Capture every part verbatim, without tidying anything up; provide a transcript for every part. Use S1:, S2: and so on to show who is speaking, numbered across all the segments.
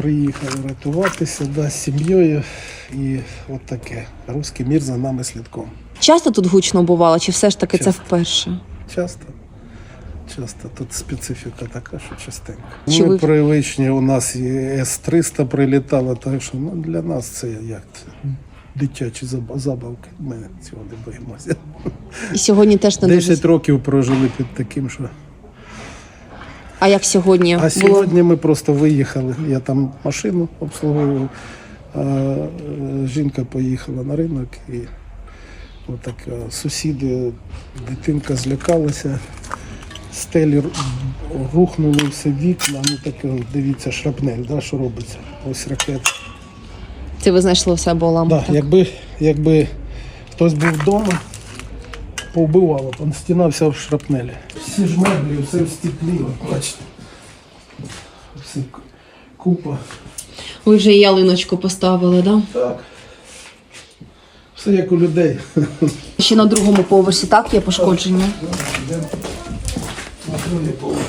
S1: приїхали рятуватися, да, з сім'єю. І от таке. Руський мір за нами слідком.
S2: Часто тут гучно бувало, чи все ж таки
S1: Часто.
S2: це вперше?
S1: Часто. Часто. Тут специфіка така, що частенько.
S2: Чи
S1: Ми
S2: ви-
S1: привичні, у нас і С триста прилітало, так що ну, для нас це як це, дитячі заб- забавки. Ми цього не боїмося.
S2: І сьогодні теж не дуже.
S1: Десять років прожили під таким, що...
S2: А як сьогодні
S1: А
S2: було?
S1: сьогодні ми просто виїхали. Я там машину обслуговував, а е, жінка поїхала на ринок. І отак е, сусіди, дитинка злякалася, стелі ру- рухнули все вікна. Ну таке, дивіться, шрапнель, да, що робиться. Ось ракета.
S2: Це ви знайшли у себе уламок?
S1: Да, якби, якби хтось був вдома, повбивало, там стіна вся в шрапнелі. Всі ж меблі, все в стеклі, от бачите. Всі к- купа.
S2: Ви вже і ялиночку поставили, так? Да?
S1: Так. Все як у людей.
S2: Ще на другому поверсі, так, є пошкодження?
S1: Йдемо на другий поверх.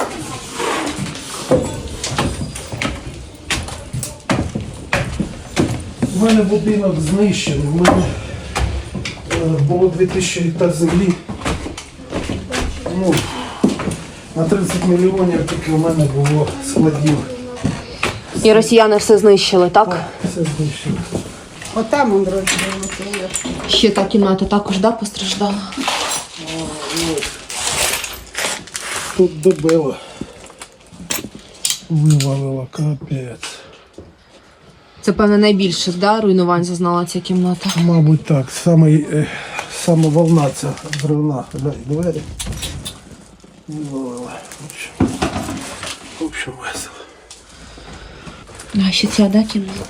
S1: У мене будинок знищений. У мене е, було дві тисячі гектар землі. Ну, на тридцять мільйонів тільки у мене було складів.
S2: І росіяни все знищили, так?
S1: Все знищено.
S3: Отам он розбив.
S2: Ще та кімната також, да, постраждала?
S1: Тут добило. Вивалило, капець.
S2: Це, певне, найбільших, да, руйнувань зазнала ця кімната?
S1: Мабуть, так. Саме, е, саме волна ця зривна. Глянь, двері. Вивалила. В общем, в общем, весело.
S2: А ще ця, да, кімната?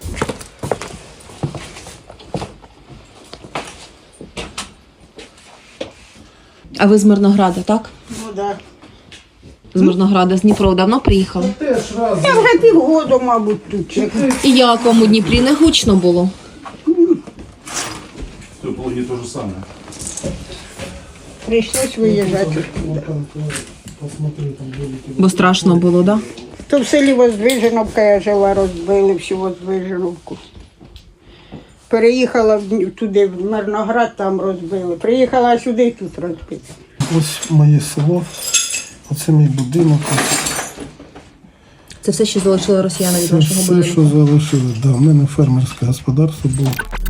S2: А ви з Мирнограда, так?
S3: Ну так.
S2: З Мирнограда, з Дніпра давно приїхали?
S1: Теж раз.
S3: Я вже півгоду, мабуть, тут. чекаю.
S2: І як вам у Дніпрі не гучно було?
S4: В Теплогі то же саме.
S3: Прийшлось виїжджати.
S1: Посмотри, там великі.
S2: Бо страшно було, да?
S3: То в селі Воздвиженовка я жила, розбили всю Воздвиженовку. Переїхала в Дні- туди, в Мирноград, там розбили. Приїхала сюди, тут розбили.
S1: Ось моє село. Оце мій будинок.
S2: Це все, що залишили росіяни від
S1: Це
S2: вашого
S1: все,
S2: будинку?
S1: що залишили. Да, у мене фермерське господарство було.